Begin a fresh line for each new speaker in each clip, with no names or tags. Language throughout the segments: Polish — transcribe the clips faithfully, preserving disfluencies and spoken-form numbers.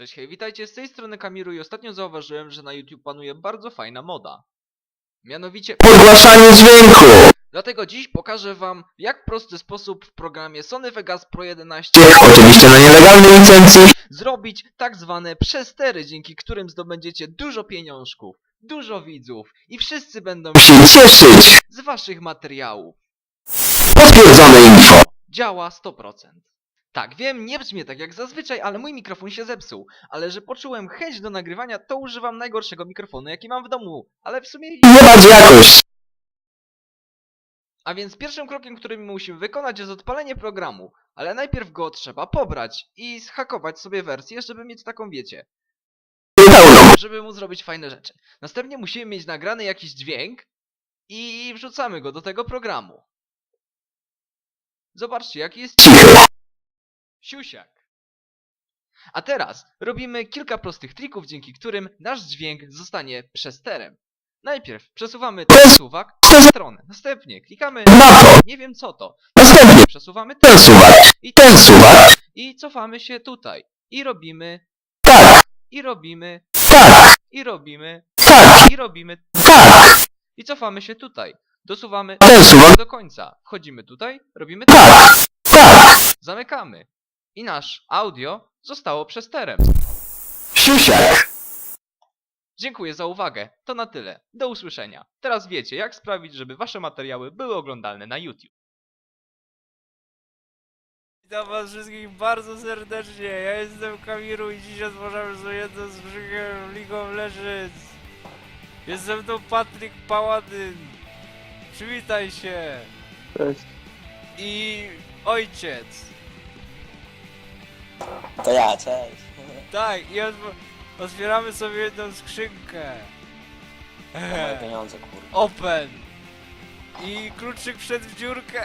Cześć, hej, witajcie, z tej strony Kamiru i ostatnio zauważyłem, że na YouTube panuje bardzo fajna moda. Mianowicie
podgłaszanie dźwięku.
Dlatego dziś pokażę wam, jak w prosty sposób w programie Sony Vegas Pro jedenaście,
Oczywiście na nielegalnej licencji,
zrobić tak zwane przestery, dzięki którym zdobędziecie dużo pieniążków, dużo widzów i wszyscy będą
się cieszyć.
z waszych materiałów.
Potwierdzone info.
Działa sto procent. Tak, wiem, nie brzmi tak jak zazwyczaj, ale mój mikrofon się zepsuł. Ale że poczułem chęć do nagrywania, to używam najgorszego mikrofonu, jaki mam w domu. Ale w sumie...
Nie bardzo jakoś.
A więc pierwszym krokiem, który musimy wykonać, jest odpalenie programu. Ale najpierw go trzeba pobrać i zhakować sobie wersję, żeby mieć taką, wiecie,
Pełną.
żeby mu zrobić fajne rzeczy. Następnie musimy mieć nagrany jakiś dźwięk i wrzucamy go do tego programu. Zobaczcie, jaki jest
Cichy.
siusiak. A teraz robimy kilka prostych trików, dzięki którym nasz dźwięk zostanie przesterem. Najpierw przesuwamy ten suwak w stronę. Następnie klikamy
Na to.
nie wiem co to.
Następnie
Przesuwamy
ten
ten
suwak.
i
Ten suwak.
i cofamy się tutaj. I robimy,
Tak.
i robimy,
Tak.
i robimy,
Tak.
i robimy,
Tak.
i cofamy się tutaj. Dosuwamy
Ten suwak.
do końca. Wchodzimy tutaj, robimy tak,
Tak. Tak.
zamykamy. I nasz audio zostało przesterem.
Siusiak.
Dziękuję za uwagę. To na tyle. Do usłyszenia. Teraz wiecie, jak sprawić, żeby wasze materiały były oglądalne na YouTube.
Witam was wszystkich bardzo serdecznie, ja jestem Kamiru i dziś otworzymy sobie jedno z brzegiem League of Legends. Jest ze mną Patryk Paładyn. Przywitaj się.
Cześć.
I ojciec.
To ja, cześć.
Tak, i otw otwieramy sobie jedną skrzynkę.
To moje pieniądze, kurwa.
Open. I kluczyk wszedł w dziurkę.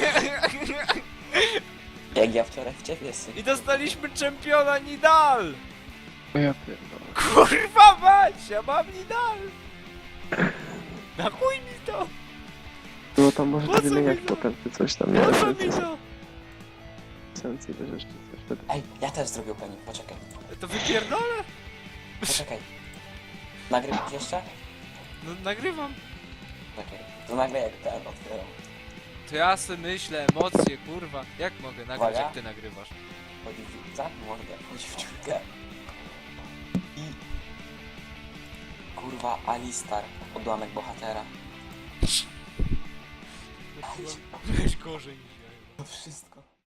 Jak ja wczoraj w ciebie sypałem.
I dostaliśmy czempiona Nidal.
O ja pierdolę.
Kurwa mać, ja mam Nidal. Na chuj mi to.
No tam może
Po
to
co
wymieniać
mi to?
potem, czy coś tam nie
Po co
wiem,
mi
czy
to?
sencji też jeszcze coś wtedy.
Ej, ja też zrobił pani, poczekaj.
To wypierdolę?
Poczekaj. Nagrywasz jeszcze?
No nagrywam.
Czekaj. To nagle jak ten otwieram.
To ja se myślę, emocje, kurwa. Jak mogę nagrać,
Uwaga.
jak ty nagrywasz?
Chodzi w za mordę, chodzi w dziurkę. I... Kurwa, Alistar, odłamek bohatera.
Weź gorzej niż ja.
To wszystko.